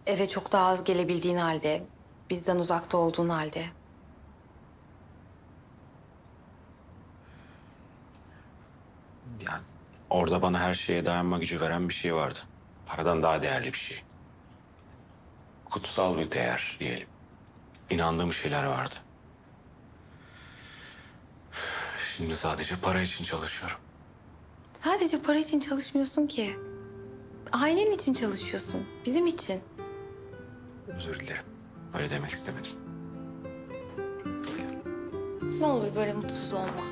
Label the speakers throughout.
Speaker 1: Eve çok daha az gelebildiğin halde, bizden uzakta olduğun halde.
Speaker 2: Yani orada bana her şeye dayanma gücü veren bir şey vardı. Paradan daha değerli bir şey. Kutsal bir değer diyelim. İnandığım şeyler vardı. Şimdi sadece para için çalışıyorum.
Speaker 1: Sadece para için çalışmıyorsun ki. Ailen için çalışıyorsun, bizim için.
Speaker 2: Özür dilerim. Öyle demek istemedim.
Speaker 1: Ne olur böyle mutsuz olma.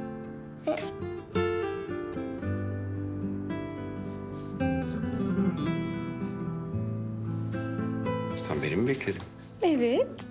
Speaker 2: Sen beni mi bekledin?
Speaker 1: Evet.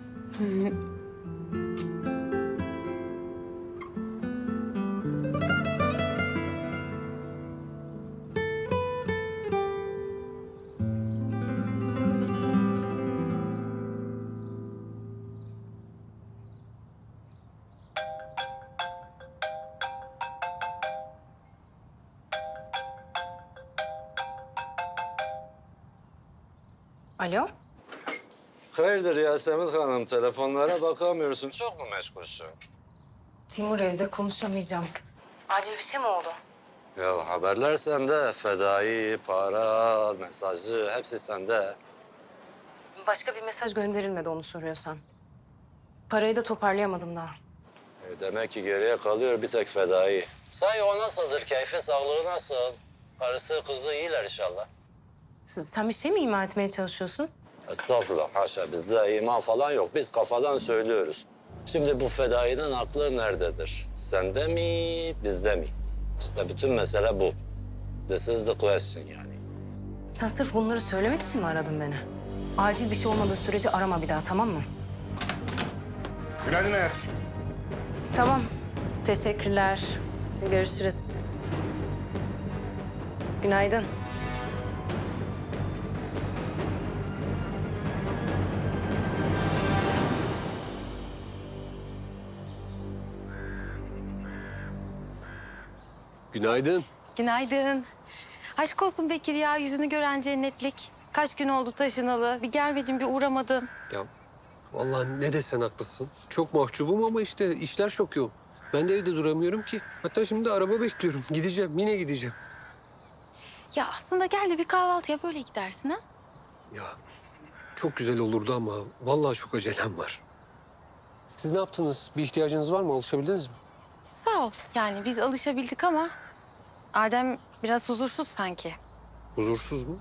Speaker 1: Alo?
Speaker 3: Hayırdır Yasemin Hanım, telefonlara bakamıyorsun. Çok mu meşgulsün?
Speaker 1: Timur evde konuşamayacağım. Acil bir şey mi oldu?
Speaker 3: Ya haberler sende. Fedai, para, mesajı hepsi sende.
Speaker 1: Başka bir mesaj gönderilmedi onu soruyorsan. Parayı da toparlayamadım daha.
Speaker 3: Demek ki geriye kalıyor bir tek fedai. Sahi o nasıldır? Keyfi, sağlığı nasıl? Karısı, kızı iyiler inşallah.
Speaker 1: Sen bir şey mi ima etmeye çalışıyorsun?
Speaker 3: Estağfurullah, haşa. Bizde iman falan yok. Biz kafadan söylüyoruz. Şimdi bu fedainin aklı nerededir? Sende mi, bizde mi? İşte bütün mesele bu. This is the question yani.
Speaker 1: Sen sırf bunları söylemek için mi aradın beni? Acil bir şey olmadığı sürece arama bir daha, tamam mı?
Speaker 4: Günaydın hayat.
Speaker 1: Tamam. Teşekkürler. Görüşürüz. Günaydın.
Speaker 5: Günaydın.
Speaker 1: Günaydın. Aşk olsun Bekir ya, yüzünü gören cennetlik. Kaç gün oldu taşınalı. Bir gelmedin, bir uğramadın.
Speaker 5: Ya vallahi ne desen haklısın. Çok mahcubum ama işte işler çok yoğun. Ben de evde duramıyorum ki. Hatta şimdi araba bekliyorum. Gideceğim, yine gideceğim.
Speaker 1: Ya aslında gel de bir kahvaltı yap, öyle gidersin ha.
Speaker 5: Ya çok güzel olurdu ama vallahi çok acelem var. Siz ne yaptınız? Bir ihtiyacınız var mı? Alışabildiniz mi?
Speaker 1: Sağ ol. Yani biz alışabildik ama Adem biraz huzursuz sanki.
Speaker 5: Huzursuz mu?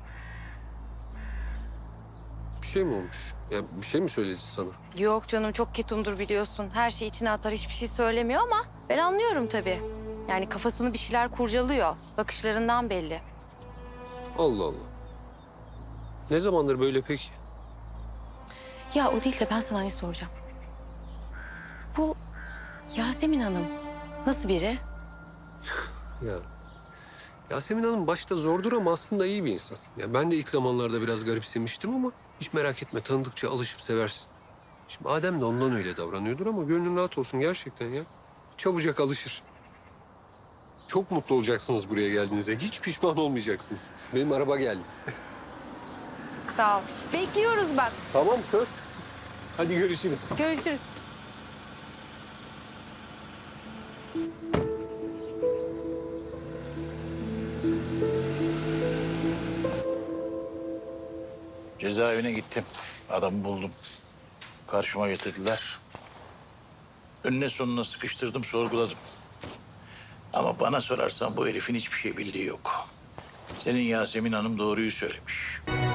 Speaker 5: Bir şey mi olmuş? Ya bir şey mi söyledi sana?
Speaker 1: Yok canım, çok ketumdur biliyorsun. Her şeyi içine atar, hiçbir şey söylemiyor ama ben anlıyorum tabii. Yani kafasını bir şeyler kurcalıyor. Bakışlarından belli.
Speaker 5: Allah Allah. Ne zamandır böyle peki?
Speaker 1: Ya o değil de ben sana ne soracağım. Bu Yasemin Hanım nasıl biri?
Speaker 5: Ya Yasemin Hanım başta zordur ama aslında iyi bir insan. Ya ben de ilk zamanlarda biraz garipsemiştim ama hiç merak etme, tanıdıkça alışıp seversin. Şimdi Adem de ondan öyle davranıyordur ama gönlün rahat olsun gerçekten ya. Çabucak alışır. Çok mutlu olacaksınız buraya geldiğinizde. Hiç pişman olmayacaksınız. Benim araba geldi.
Speaker 1: Sağ ol. Bekliyoruz bak.
Speaker 5: Tamam söz. Hadi görüşürüz.
Speaker 1: Görüşürüz.
Speaker 4: Cezaevine gittim. Adamı buldum. Karşıma getirdiler. Önüne sonuna sıkıştırdım, sorguladım. Ama bana sorarsan bu herifin hiçbir şey bildiği yok. Senin Yasemin Hanım doğruyu söylemiş.